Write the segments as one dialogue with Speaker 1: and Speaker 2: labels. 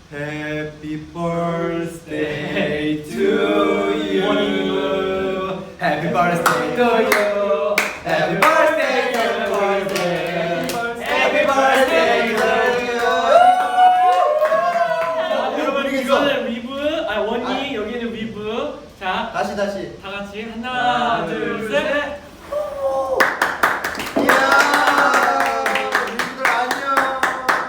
Speaker 1: Happy birthday to you. Happy birthday to you. Happy birthday to you. Happy birthday to you.
Speaker 2: 여러분 이거는 위브, 원이 여기는 위브. 자,
Speaker 1: 다시
Speaker 2: 다 같이 하나, 둘, 셋.
Speaker 1: 이야, 우리들 안녕.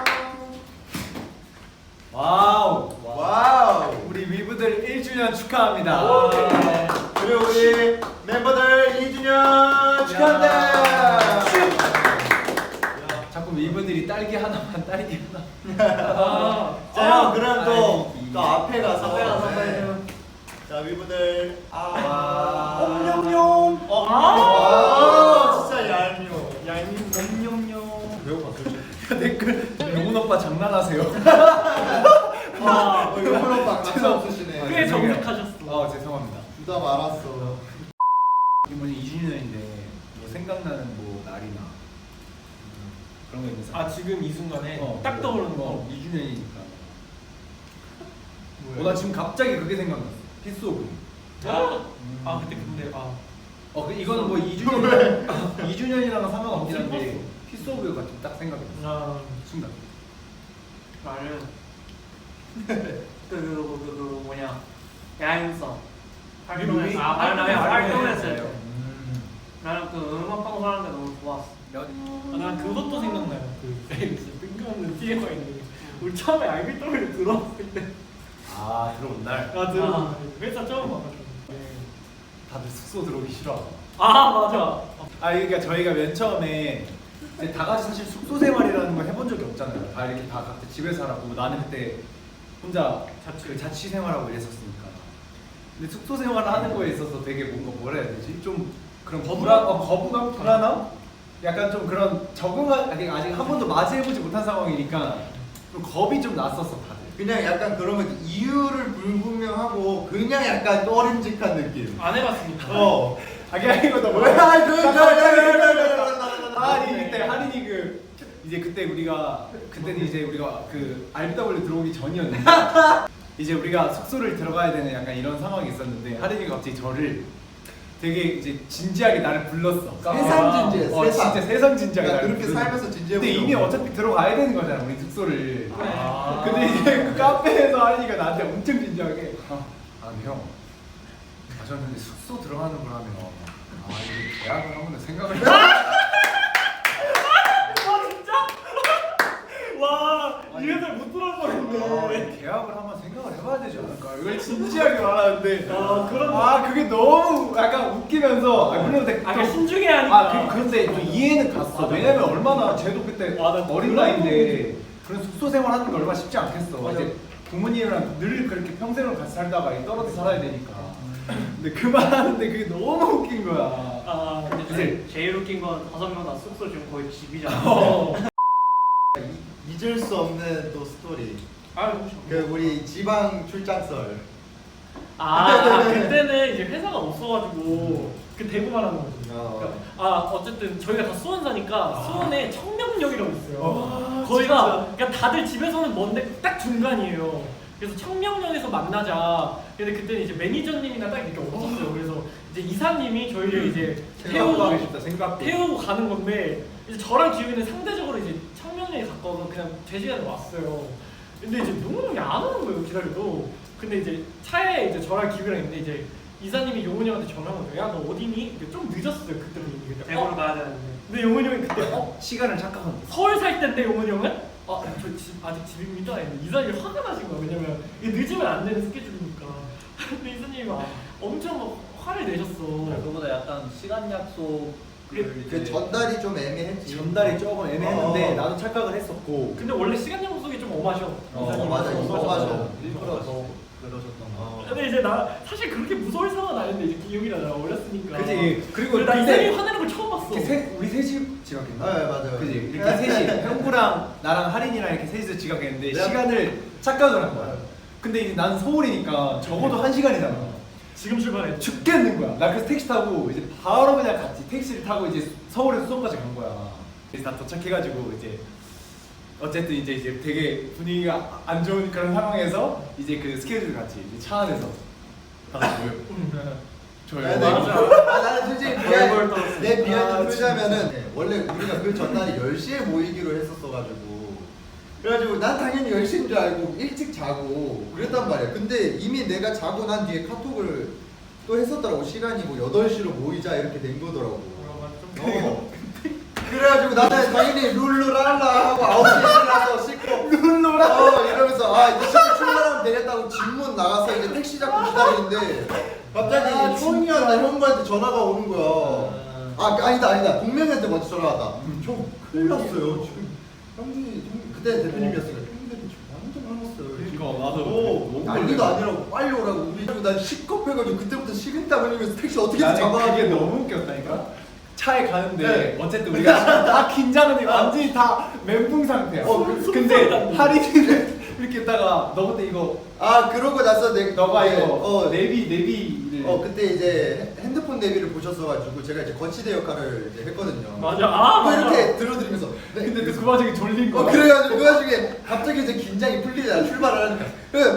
Speaker 1: 와우. 우리 위브들 1주년 축하합니다. 그리고 우리 멤버들 2주년 축하합니다. 자꾸 위브들이 딸기 하나만 딸기 하나. 자, 그럼 또 앞에 가서 네. 자, 위브들 옴뇸뇸. 진짜 얄미워. 옴뇸뇸. 배고팠어. 댓글 용훈 오빠 장난하세요. 용훈 오빠 장난 없으시네.
Speaker 2: 꽤 정색하셨어.
Speaker 1: 죄송합니다.
Speaker 3: 주다 말았어.
Speaker 1: 이번에 2주년인데 뭐 생각나는 뭐 날이나 그런 거 있는 사람?
Speaker 2: 지금 이 순간에 딱 떠오르는 거.
Speaker 1: 2주년이니까. 나 지금 갑자기 그게 생각났어. 피스 오브.
Speaker 2: 그때
Speaker 1: 이거는 뭐 2주년이랑 상관없긴 한데 피스 오브가 딱 생각이 났어. 순간.
Speaker 2: 나는 그 뭐냐 야행성
Speaker 1: 뮤비?
Speaker 2: 활동했을 때 나는 그 음악 방송하는 게 너무 좋았어. 난 그것도 생각나요. 그 뜬금없는 TMI 있는 우리 처음에 알비더미를 들어왔을 때.
Speaker 1: 들어온 날.
Speaker 2: 들어온 회사 처음 와가지고.
Speaker 1: 다들 숙소 들어오기 싫어.
Speaker 2: 맞아.
Speaker 1: 그러니까 저희가 맨 처음에 이제 다 같이 사실 숙소 생활이라는 걸 해본 적이 없잖아요. 다 이렇게 다 각자 집에서 살았고 나는 그때 혼자 자취 생활하고 이랬었으니까. 근데 숙소 생활을 하는 거에 있어서 되게 뭔가 뭐라 해야 되지? 좀 그런 거부감, 불안함? 약간 좀 그런 아직 한 번도 맞이해보지 못한 상황이니까 좀 겁이 좀 났었어 다들.
Speaker 3: 그냥 약간 그런 거 이유를 불분명하고 그냥 약간 꺼림직한 느낌.
Speaker 2: 안 해봤으니까.
Speaker 1: 이거 너 뭐야? 그때 하린이 그때는 이제 우리가 그 RBW 들어오기 전이었는데 이제 우리가 숙소를 들어가야 되는 약간 이런 상황이 있었는데 하린이가 갑자기 저를 되게 이제 진지하게 나를 불렀어.
Speaker 3: 세상 진지해.
Speaker 1: 진짜 세상 진지하게 나를
Speaker 3: 그렇게
Speaker 1: 불렀어.
Speaker 3: 살면서 진지해.
Speaker 1: 근데 이미 어차피 들어가야 되는 거잖아 우리 숙소를. 근데 이제 그 카페에서 하린이가 나한테 엄청 진지하게 형. 저는 근데 숙소 들어가는 거라면 이거 계약을 한번 생각을
Speaker 2: 진짜? 와, 이 회사 못 들어올 뻔했네.
Speaker 1: 계약을 한번 생각을 해봐야 되지 않을까? 이걸 진지하게 말하는데 그게 너무 약간 웃기면서 물론
Speaker 2: 약간 신중해 하니까.
Speaker 1: 그런데 또 이해는 갔어. 왜냐면 얼마나 쟤도 그때 어린 나이인데 그런 숙소 생활하는 게 얼마나 쉽지 않겠어. 이제 부모님이랑 늘 그렇게 평생을 같이 살다가 떨어져 살아야 되니까. 근데 그 말하는데 그게 너무 웃긴 거야.
Speaker 2: 근데 제일 웃긴 건 5명 다 숙소 지금 거의 집이잖아.
Speaker 3: 잊을 수 없는 또 스토리.
Speaker 2: 너무 좋아.
Speaker 3: 그 우리 지방 출장설.
Speaker 2: 그때는 이제 회사가 없어가지고 그 대구만 하는 거지. 어쨌든 저희가 다 수원 사니까 수원에 청명역이라고 있어요. 거기가 그러니까 다들 집에서는 먼데 딱 중간이에요. 그래서 청명역에서 만나자. 근데 그때는 이제 매니저님이나 딱 이렇게 없었어요. 그래서 이제 이사님이 저희를 이제 태우고 가는 건데 이제 저랑 기훈이는 상대적으로 이제 청명역에 가까워서 그냥 제 시간에 왔어요. 근데 이제 용훈이 형이 안 오는 거예요, 기다려도. 근데 이제 차에 이제 저랑 기훈이랑 있는데 이제 이사님이 용훈이 형한테 전화한 거예요. 야, 너 어디니? 좀 늦었어요, 그때는 이미. 대구로 가야 되는데. 근데 용훈이 형이 그때
Speaker 1: 시간을 착각한 거야.
Speaker 2: 서울 살 때인데 용훈이 형은 저 아직 집입니다. 이사님이 화가 나신 거야. 왜냐면 이게 늦으면 안 되는 스케줄이니까. 근데 이사님이 엄청 막 화를 내셨어.
Speaker 4: 그거보다 약간 시간 약속
Speaker 3: 그 전달이 좀 애매했지.
Speaker 1: 전달이 조금 애매했는데 나도 착각을 했었고.
Speaker 2: 근데 원래 시간 약속이 좀 엄하셔. 이사님이.
Speaker 3: 맞아.
Speaker 4: 일부러 더 그러셨던 거.
Speaker 2: 근데 이제 나 사실 그렇게 무서울 상황은 아닌데 이제 기억이나 나 어렸으니까.
Speaker 1: 그지. 그리고
Speaker 2: 나 이사님이 화내는 걸 처음 봤어.
Speaker 1: 우리 셋이 지각했나?
Speaker 3: 네, 맞아요.
Speaker 1: 그지. 이렇게 셋이 형구랑 나랑 하린이랑 이렇게 셋이서 지각했는데 시간을 착각을 한 거야. 근데 이제 난 서울이니까 적어도 1시간이잖아.
Speaker 2: 지금 출발해.
Speaker 1: 죽겠는 거야. 나 그래서 택시 타고 이제 바로 그냥 같이 택시를 타고 이제 서울에서 수원까지 간 거야. 그래서 다 도착해가지고 이제 어쨌든 이제 되게 분위기가 안 좋은 그런 상황에서 이제 그 스케줄 같이 이제 차 안에서 다 같이 모여. 저요.
Speaker 3: 나는 솔직히
Speaker 4: 얼굴 떨었어.
Speaker 3: 내 비하인드
Speaker 1: 아,
Speaker 3: 풀자면은 원래 우리가 그 전날에 10시에 모이기로 했었어가지고 그래가지고 난 당연히 10시인 줄 알고 일찍 자고 그랬단 말이야. 근데 이미 내가 자고 난 뒤에 카톡을 또 했었더라고. 시간이 뭐 8시로 모이자 이렇게 된 거더라고. 그래가지고 나는 당연히 룰루랄라 하고 9시에 일어나서 씻고 룰루랄라 이러면서 아 이제 씻고 출발하면 되겠다고 집문 나가서 이제 택시 잡고 기다리는데 갑자기 형이한테 형부한테 전화가 오는 거야. 아니다 동명이한테 먼저 전화 왔다. 형 큰일 났어요 지금 형들이 그때 대표님이었으니까 형들이 지금 완전 화났어요.
Speaker 1: 그러니까 나도
Speaker 3: 너무 난리도 아니라고 빨리 오라고. 우리 난 식겁해가지고 그때부터 식은땀 흘리면서 택시 어떻게든
Speaker 1: 나는
Speaker 3: 잡아가지고.
Speaker 1: 그게 너무 웃겼다니까. 차에 가는데
Speaker 3: 네.
Speaker 1: 어쨌든 우리가 지금 다 긴장은 완전히 다 멘붕 상태야. 근데 하린이는 이렇게 있다가 너 그때 이거
Speaker 3: 그러고 나서
Speaker 1: 너가
Speaker 3: 네,
Speaker 1: 이거 내비를
Speaker 3: 그때 이제 핸드폰 내비를 보셨어가지고 제가 이제 거치대 역할을 이제 했거든요.
Speaker 2: 맞아.
Speaker 3: 또 이렇게 들어드리면서
Speaker 1: 근데 또 그 와중에 졸린 거야.
Speaker 3: 그래가지고 그 와중에 갑자기 이제 긴장이 풀리잖아. 출발을 하니까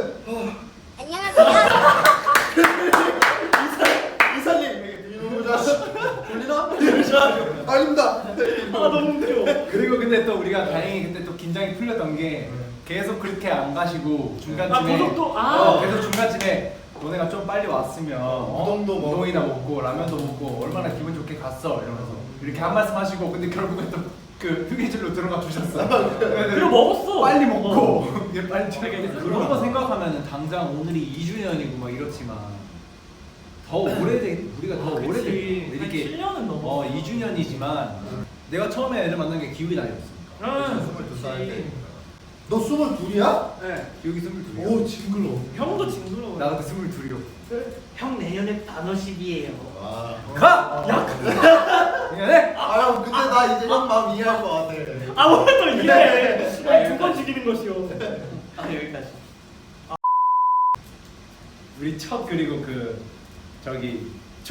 Speaker 3: 이사님 이놈의 자식 졸리나? 아닙니다.
Speaker 2: 너무 웃겨.
Speaker 1: 그리고 근데 또 우리가 다행히 그때 또 긴장이 풀렸던 게 계속 그렇게 안 가시고 중간쯤에
Speaker 2: 고속도
Speaker 1: 계속 중간쯤에 너네가 좀 빨리 왔으면
Speaker 3: 우동도 먹고.
Speaker 1: 우동이나 먹고 라면도 먹고 얼마나 기분 좋게 갔어 이러면서 이렇게 한 말씀 하시고 근데 결국엔 또 그 휴게실로 들어가 주셨어.
Speaker 2: 그리고 먹었어.
Speaker 1: 빨리 먹고 이게 빨리
Speaker 4: 그런 거 생각하면 당장 오늘이 2주년이고 막 이렇지만 더 오래된 우리가 더 오래된 이렇게
Speaker 2: 7년은 넘어.
Speaker 4: 2주년이지만 내가 처음에 애를 만난 게 기욱이 나이였으니까.
Speaker 3: 22살 때. 너 22이야?
Speaker 4: 네.
Speaker 1: 기억이 22이야.
Speaker 3: 오 징글러.
Speaker 2: 형도 징그러워.
Speaker 1: 나 그때 22이요.
Speaker 2: 형 내년에 단어십이에요.
Speaker 1: 가! 야! 그냥
Speaker 3: 형 근데 나 이제 형 마음 이해할 것 같아.
Speaker 2: 원래 또 이래. 두번 죽이는 것이요.
Speaker 4: 여기까지.
Speaker 1: 우리 첫 그리고 그 저기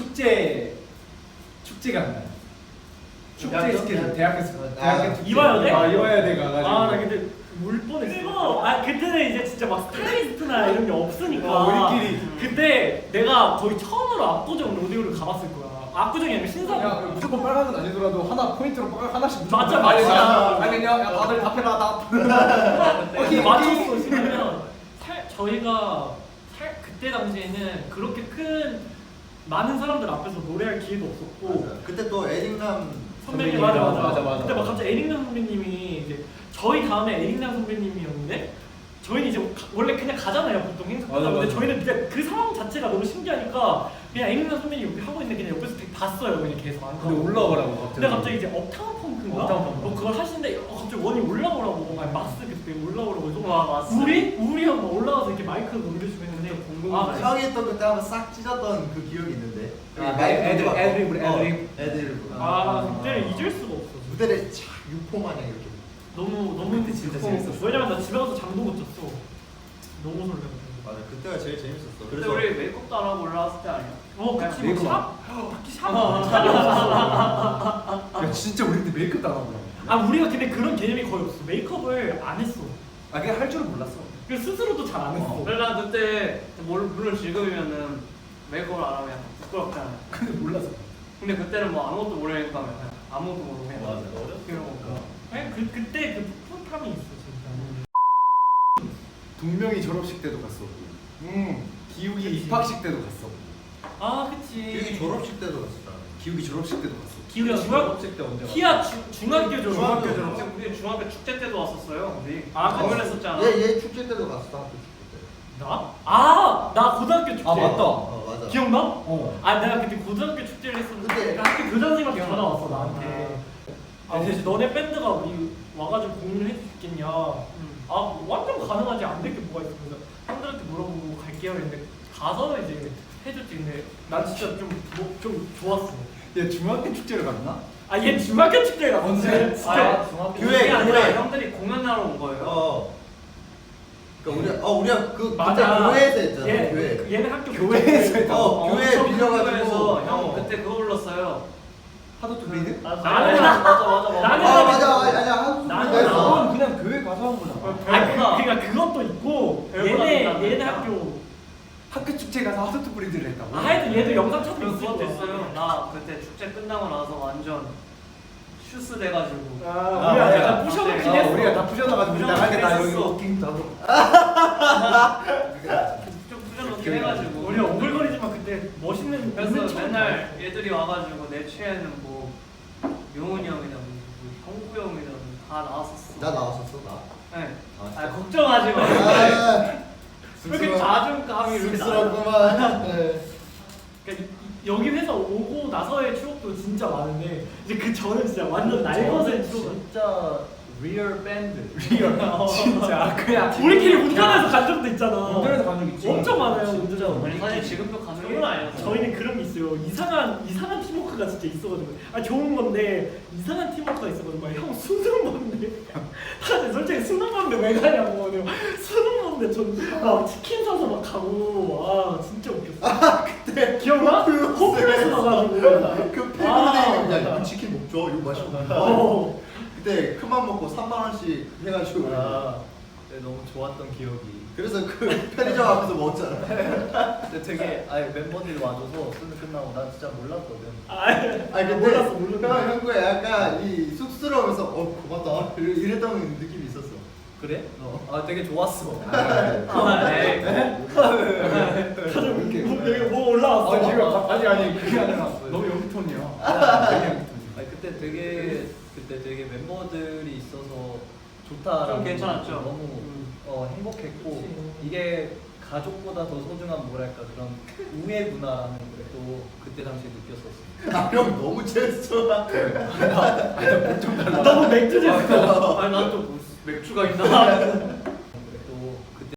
Speaker 1: 축제가 있나요? 축제
Speaker 3: 대학교?
Speaker 1: 스케줄 대학교 축제
Speaker 2: 이화여대?
Speaker 1: 이화여대 가가지고
Speaker 2: 나 근데 울 뻔했어. 그때는 이제 진짜 막 스타일리스트나 이런 게 없으니까.
Speaker 1: 우리끼리.
Speaker 2: 그때 내가 거의 처음으로 압구정 로데오를 가봤을 거야. 압구정이 아니라 신사동.
Speaker 1: 야 무조건 빨간은 아니더라도 하나 포인트로 하나씩 무조건
Speaker 2: 맞아,
Speaker 1: 빨리
Speaker 2: 맞아.
Speaker 1: 가. 알겠냐? 야 다들 답해라 다.
Speaker 2: 근데 맞췄어. 왜냐면 저희가 그때 당시에는 그렇게 큰 많은 사람들 앞에서 노래할 기회도 없었고.
Speaker 3: 맞아. 그때 또 에릭남
Speaker 2: 선배님 맞아. 그때 막 갑자기 에릭남 선배님이 이제 저희 다음에 에릭남 선배님이었는데 저희는 이제 원래 그냥 가잖아요 보통 행사.
Speaker 1: 맞아,
Speaker 2: 근데
Speaker 1: 맞아.
Speaker 2: 저희는 그냥 그 상황 자체가 너무 신기하니까 그냥 에릭남 선배님 이렇게 하고 있는데 그냥 옆에서 되게 봤어요 그냥 계속 안
Speaker 1: 근데
Speaker 2: 가고.
Speaker 1: 올라오라고 갑자기.
Speaker 2: 근데 갑자기 이제 업타운 펑크인가?
Speaker 1: 업타운 펑크.
Speaker 2: 뭐 그걸 하시는데 갑자기 원이 올라오라고 아니 마스 그때 올라오라고 해서
Speaker 4: 마스.
Speaker 2: 우리 형 막 올라와서 이렇게 마이크 넘겨주고 했는데
Speaker 3: 형이 또 그때 한번 싹 찢었던 그 기억이 있는데.
Speaker 1: 애드립.
Speaker 3: 애드립.
Speaker 2: 그때를 잊을 수가 없어.
Speaker 3: 무대를 착 유포 마냥 이렇게.
Speaker 2: 너무
Speaker 1: 그때 진짜 재밌었어.
Speaker 2: 왜냐면 나 집에 가서 잠도 못 잤어. 너무 설레고.
Speaker 3: 맞아 그때가 제일 재밌었어.
Speaker 4: 그때 우리 메이크업도 안 하고 올라왔을 때 아니야?
Speaker 2: 그치
Speaker 1: 메이크업.
Speaker 2: 샵? 딱히 샵이 없었어.
Speaker 1: 야 진짜 우리 그때 메이크업 당하고.
Speaker 2: 우리가 근데 그런 개념이 거의 없어. 메이크업을 안 했어.
Speaker 1: 그냥 할 줄은 몰랐어.
Speaker 2: 그 스스로도 잘 안 했어.
Speaker 4: 그래 난 그때 물론 지금이면은 메이크업을 안 하면 약간 부끄럽잖아.
Speaker 1: 근데 몰랐어.
Speaker 4: 근데 그때는 뭐 아무것도 모르니까 그냥 아무것도 모르고 그냥
Speaker 3: 맞아.
Speaker 4: 그런 거니까.
Speaker 2: 그때 그 풋풋함이 있어 진짜.
Speaker 1: 동명이 졸업식 때도 갔었고. 기욱이 입학식 때도 갔었고.
Speaker 2: 그치.
Speaker 3: 여기 졸업식 때도 갔었잖아.
Speaker 1: 기욱이 졸업식 때도 갔어.
Speaker 2: 기울이
Speaker 1: 졸업식 때 언제?
Speaker 2: 키아 중학교 졸업.
Speaker 3: 중학교
Speaker 4: 졸업식 우리 중학교 축제 때도 왔었어요. 우리
Speaker 2: 아,
Speaker 4: 공연했었잖아.
Speaker 3: 얘 축제 때도 갔어. 학교 축제 때.
Speaker 2: 나? 나 고등학교 축제.
Speaker 1: 맞다.
Speaker 3: 맞아.
Speaker 2: 기억나?
Speaker 1: 어.
Speaker 2: 내가 그때 고등학교 축제를 했었는데
Speaker 3: 그때-
Speaker 2: 그 학교 교장 선생님한테 전화 왔어 나한테. 대신 너네 밴드가 우리 와가지고 공연을 해줄 수 있겠냐? 완전 가능하지 안 될 게 뭐가 있어. 그래서 형들한테 물어보고 갈게요 했는데 가서 이제 해줬지. 근데 난 진짜 좀 좋았어.
Speaker 1: 얘 중학교 축제를 갔나?
Speaker 2: 얘 중학교 축제가
Speaker 1: 언제?
Speaker 2: 진짜
Speaker 4: 중학교
Speaker 3: 교회,
Speaker 4: 그게 아니라
Speaker 3: 교회.
Speaker 4: 형들이 공연하러 온 거예요.
Speaker 3: 그러니까 우리가 그 그때
Speaker 2: 맞아.
Speaker 3: 교회에서 했잖아.
Speaker 2: 얘,
Speaker 3: 교회.
Speaker 2: 얘네 학교
Speaker 1: 교회에서 했다.
Speaker 3: 교회
Speaker 4: 엄청
Speaker 3: 빌려가지고.
Speaker 4: 큰 거에서 형
Speaker 3: 어.
Speaker 4: 그때 그거 불렀어요.
Speaker 1: 하도 또 리드?
Speaker 2: 나는
Speaker 4: 맞아.
Speaker 2: 나는
Speaker 3: 맞아. 아니야.
Speaker 2: 나는
Speaker 1: 그건 그냥 교회 가서 한 거잖아.
Speaker 2: 그러니까 그것도 있고 얘네
Speaker 1: 학교 축제 가서 하트트 브리드를 했다고.
Speaker 2: 하여튼 얘도 영상 찾고
Speaker 5: 그거
Speaker 2: 있어.
Speaker 5: 됐어요. 나 그때 축제 끝나고 나서 완전 슈스 돼가지고.
Speaker 2: 우리가 약간 부셔놓긴 했어.
Speaker 1: 우리가 다 부셔놔가지고 나가게 나 여기
Speaker 5: 부셔놓긴
Speaker 1: 워킹 다.
Speaker 5: 좀 부셔놓긴 해가지고.
Speaker 2: 우리 오글거리지만 그때 멋있는
Speaker 5: 그래서
Speaker 2: 있는 척
Speaker 5: 맨날 얘들이 와가지고 내 최애는 뭐 용훈이 형이다, 뭐 형구 형이다, 다 나왔었어.
Speaker 3: 나 나왔었어 나.
Speaker 5: 네.
Speaker 3: 진짜?
Speaker 5: 걱정하지 마. 왜 이렇게 자존감이 이렇게 나?
Speaker 3: 쑥스럽구만. 네.
Speaker 2: 그러니까 여기 회사 오고 나서의 추억도 진짜 많은데 이제 그 전은 진짜 완전 날것의 추억.
Speaker 4: 진짜 리얼 밴드.
Speaker 1: 진짜 그냥
Speaker 2: 우리끼리 운전해서 간 적도 있잖아.
Speaker 1: 운전해서 간 적 있지.
Speaker 2: 엄청 많아요.
Speaker 4: 진짜
Speaker 2: 운전.
Speaker 5: 아니 사실 지금도 가능은 아니었어.
Speaker 2: 저희는 그런 게 있어요. 이상한 팀워크가 진짜 있어가지고 좋은 건데 이상한 팀워크가 있어가지고 형 수능 먹는데 다들 솔직히 수능 먹는데 왜 가냐고 수능 먹는데 전 치킨 사서 막 가고 와 진짜 웃겼어.
Speaker 3: 그때
Speaker 2: 기억나? 호프에서 나가지고
Speaker 3: 그 패브리데이는 야 이거 치킨 먹죠 이거 맛있고. 그때 큰맘 먹고 3만 원씩 해가지고.
Speaker 4: 너무 좋았던 기억이.
Speaker 3: 그래서 그 편의점 앞에서 먹었잖아.
Speaker 4: 근데 되게 멤버들이 와줘서 수능 끝나고 난 진짜 몰랐거든.
Speaker 3: 아니 근데
Speaker 2: 몰랐어.
Speaker 3: 형구야 약간 이 쑥스러우면서 고맙다 이랬던 느낌이 있었어.
Speaker 4: 그래? 되게 좋았어.
Speaker 5: 네.
Speaker 2: 여기 뭐 올라왔어.
Speaker 1: 지금 아니 그게 아니라 너무 여기톤이야.
Speaker 4: 그때 되게 멤버들이 있어서 좋다라는
Speaker 5: 좀 괜찮았죠?
Speaker 4: 너무 행복했고 이게 가족보다 더 소중한 뭐랄까 그런 우애 문화라는 걸 또 그때 당시에 느꼈었어.
Speaker 3: 형 너무 재밌어.
Speaker 2: 너무 맥주제.
Speaker 5: 아니 난또 맥주가 있나?